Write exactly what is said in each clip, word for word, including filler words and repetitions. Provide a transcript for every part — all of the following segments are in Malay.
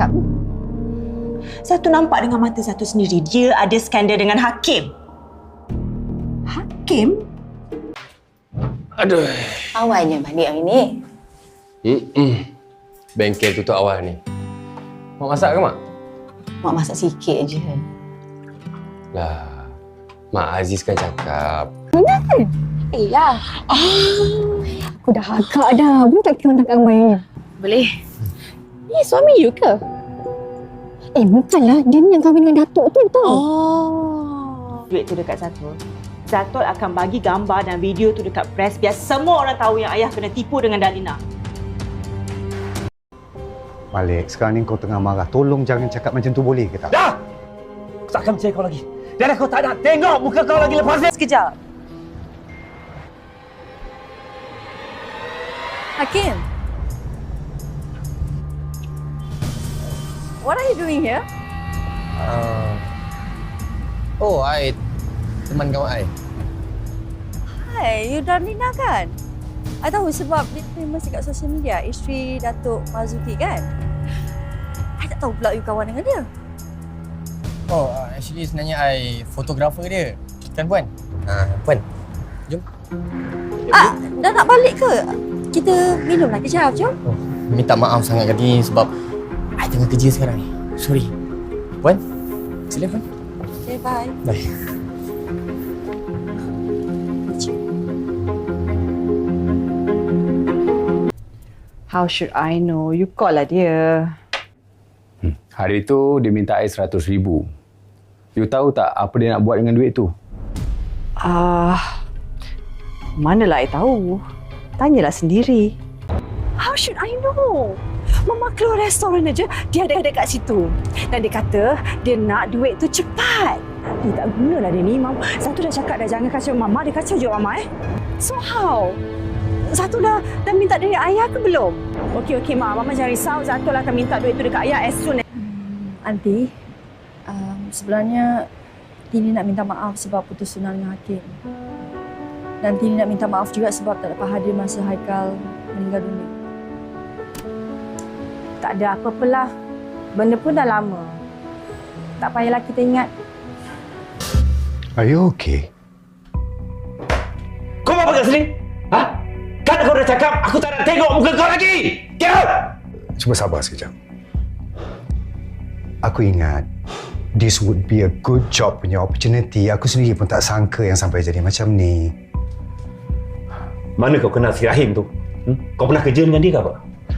cakap. Satu nampak dengan mata satu sendiri. Dia ada skandal dengan Hakim. Hakim? Aduh. Awalnya balik hari ni. Mm-mm. Bengkel tutup awal ni. Mak masak ke, Mak? Mak masak sikit je. Lah, Mak Aziz kan cakap. Benar kan? Iyalah. Oh, aku dah agak dah. Boleh tak kita hantar gambarnya? Boleh. Ni suami you ke? Eh, bukanlah. Dia ni yang kahwin dengan Datuk tu tau. Oh. Duit tu dekat Zatul. Zatul akan bagi gambar dan video tu dekat press biar semua orang tahu yang ayah kena tipu dengan Dalina. Malik, sekarang ni kau tengah marah. Tolong jangan cakap macam tu, boleh ke tak? Dah! Aku tak akan percaya kau lagi. Dan aku tak nak tengok muka kau lagi lepas ni. Sekejap. Hakim, what are you doing here? Uh, oh, I teman kawan I. Hai, you Darlina kan? I tahu sebab dia famous dekat social media, isteri Datuk Marzuki kan? I tak tahu pula you kawan dengan dia. Oh, uh, actually sebenarnya I fotografer dia. Kan Puan? Ah, uh, Puan. Jom. Ah, dah nak balik ke? Kita minum lagi kejap, jom. Oh, minta maaf sangat kali sebab I tengah kerja sekarang ni. Sorry. Puan, sila Puan. Okay, bye. Bye. How should I know? You call lah dia. Hmm. Hari tu dia minta I seratus ribu. You tahu tak apa dia nak buat dengan duit tu? Ah, uh, manalah I tahu. Tanyalah sendiri. How should I know? Mama keluar restoran aja, dia ada dekat situ. Dan dia kata dia nak duit tu cepat. Eh, tak gunalah dia ni, Mam. Satu dah cakap dah jangan kacau Mama, dia kacau je Mama eh. So how? Satu dah, dah minta dari ayah ke belum? Okey, okey, Mak. Mama jangan risau. Zatul akan minta duit tu dekat ayah as soon as... Hmm, Aunty, um, sebenarnya Tini nak minta maaf sebab putus tunang dengan Hakim. Dan Tini nak minta maaf juga sebab tak dapat hadir masa Haikal meninggal dunia. Tak ada apa-apalah. Benda pun dah lama. Tak payahlah kita ingat. Are you okay? Kau mau apa kat sini? Ha? Kan kau dah cakap aku tak nak tengok muka kau lagi. Get out! Cuba sabar sekejap. Aku ingat this would be a good job punya opportunity. Aku sendiri pun tak sangka yang sampai jadi macam ni. Mana kau kenal si Rahim tu? Hmm? Kau pernah kerja dengan dia ke apa?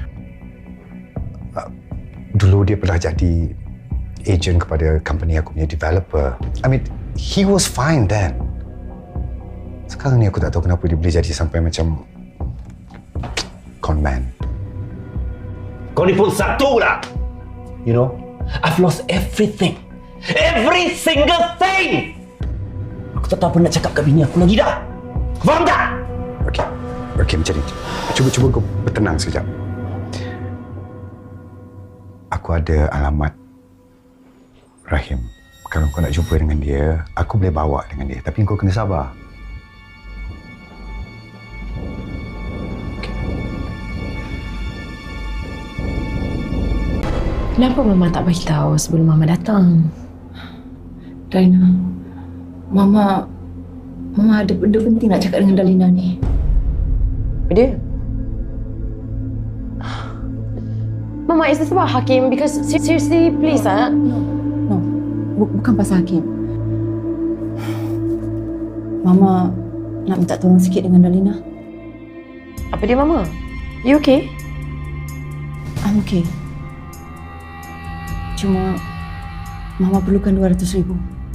Uh, dulu dia pernah jadi agent kepada company aku punya developer. I mean, he was fine then. Sekarang ni aku tak tahu kenapa dia boleh jadi sampai macam con man. Kau ni pun satu lah. You know, I've lost everything. Every single thing. Aku tak tahu apa nak cakap kat bini aku lagi dah. Faham tak? Okey. Okey, macam ni. Cuba-cuba kau bertenang sekejap. Aku ada alamat Rahim. Kalau kau nak jumpa dengan dia, aku boleh bawa dengan dia. Tapi kau kena sabar. Kenapa Mama tak beritahu sebelum Mama datang? Dalina, Mama... Mama ada benda penting nak cakap dengan Dalina ni. Dia? Mama, is this about Hakim? Because seriously, please, ah. No, no. Bukan pasal Hakim. Mama nak minta tolong sikit dengan Dalina. Apa dia, Mama? You okay? I'm okay. Cuma Mama perlukan dua ratus ribu.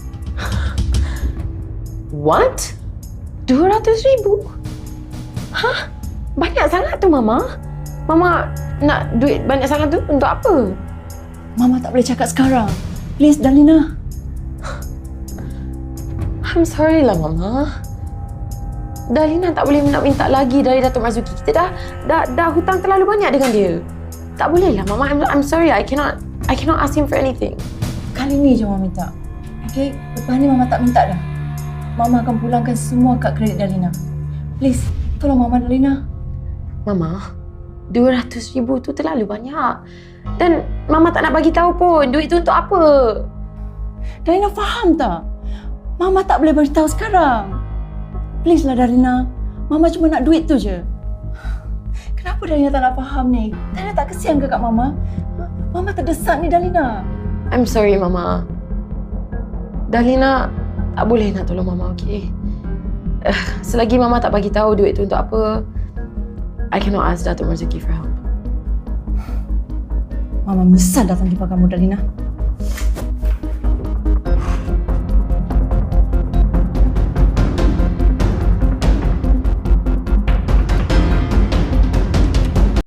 What? dua ratus ribu? Hah? Banyak sangat tu, Mama. Mama nak duit banyak sangat tu untuk apa? Mama tak boleh cakap sekarang. Please, Dalina. I'm sorry lah, Mama. Dalina tak boleh nak minta lagi dari Datuk Marzuki. Kita dah, dah dah hutang terlalu banyak dengan dia. Tak boleh lah, Mama. I'm, I'm sorry. I cannot I cannot ask him for anything. Kali ni je Mama minta. Okay? Lepas ni Mama tak minta dah. Mama akan pulangkan semua kad kredit Dalina. Please, tolong Mama, Dalina. Mama, dua ratus ribu tu terlalu banyak. Dan Mama tak nak bagi tahu pun duit tu untuk apa. Darina faham tak? Mama tak boleh beritahu sekarang. Please lah Darina. Mama cuma nak duit tu je. Kenapa Darina tak nak faham ni? Darina tak kesian ke kat Mama? Mama terdesak ni Darina. I'm sorry Mama. Darlina tak boleh nak tolong Mama, okey? Uh, selagi Mama tak bagi tahu duit tu untuk apa, I cannot ask Datuk Marzuki for help. Mama menyesal datang jumpa kamu Darina.